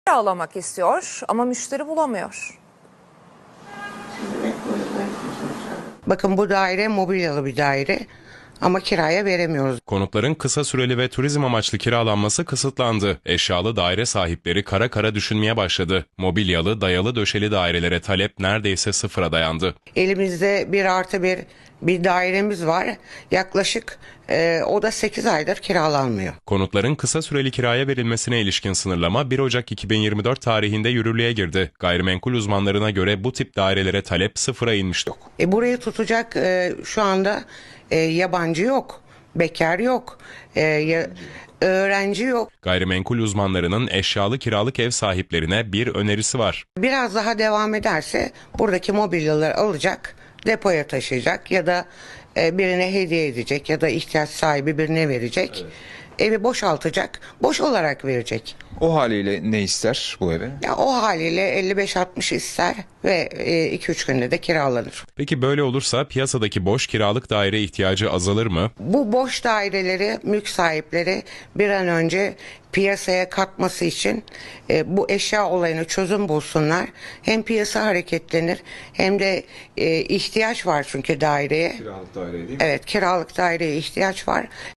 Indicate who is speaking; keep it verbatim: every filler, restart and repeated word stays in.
Speaker 1: Kiralamak istiyor ama müşteri bulamıyor.
Speaker 2: Bakın bu daire mobilyalı bir daire ama kiraya veremiyoruz.
Speaker 3: Konutların kısa süreli ve turizm amaçlı kiralanması kısıtlandı. Eşyalı daire sahipleri kara kara düşünmeye başladı. Mobilyalı, dayalı döşeli dairelere talep neredeyse sıfıra dayandı.
Speaker 2: Elimizde bir artı bir bir dairemiz var. Yaklaşık e, o da sekiz aydır kiralanmıyor.
Speaker 3: Konutların kısa süreli kiraya verilmesine ilişkin sınırlama bir Ocak iki bin yirmi dört tarihinde yürürlüğe girdi. Gayrimenkul uzmanlarına göre bu tip dairelere talep sıfıra inmişti.
Speaker 2: E, burayı tutacak e, şu anda e, yabancı yok, bekar yok, e, ya, öğrenci yok.
Speaker 3: Gayrimenkul uzmanlarının eşyalı kiralık ev sahiplerine bir önerisi var.
Speaker 2: Biraz daha devam ederse buradaki mobilyaları alacak, depoya taşıyacak ya da e, birine hediye edecek ya da ihtiyaç sahibi birine verecek. Evet. Evi boşaltacak, boş olarak verecek.
Speaker 4: O haliyle ne ister bu eve?
Speaker 2: Ya o haliyle elli beş altmış ister ve iki üç günde de kiralanır.
Speaker 3: Peki böyle olursa piyasadaki boş kiralık daire ihtiyacı azalır mı?
Speaker 2: Bu boş daireleri mülk sahipleri bir an önce piyasaya katması için e, bu eşya olayını çözüm bulsunlar. Hem piyasa hareketlenir hem de e, ihtiyaç var çünkü daireye.
Speaker 4: Kiralık daire değil mi?
Speaker 2: Evet, kiralık daireye ihtiyaç var.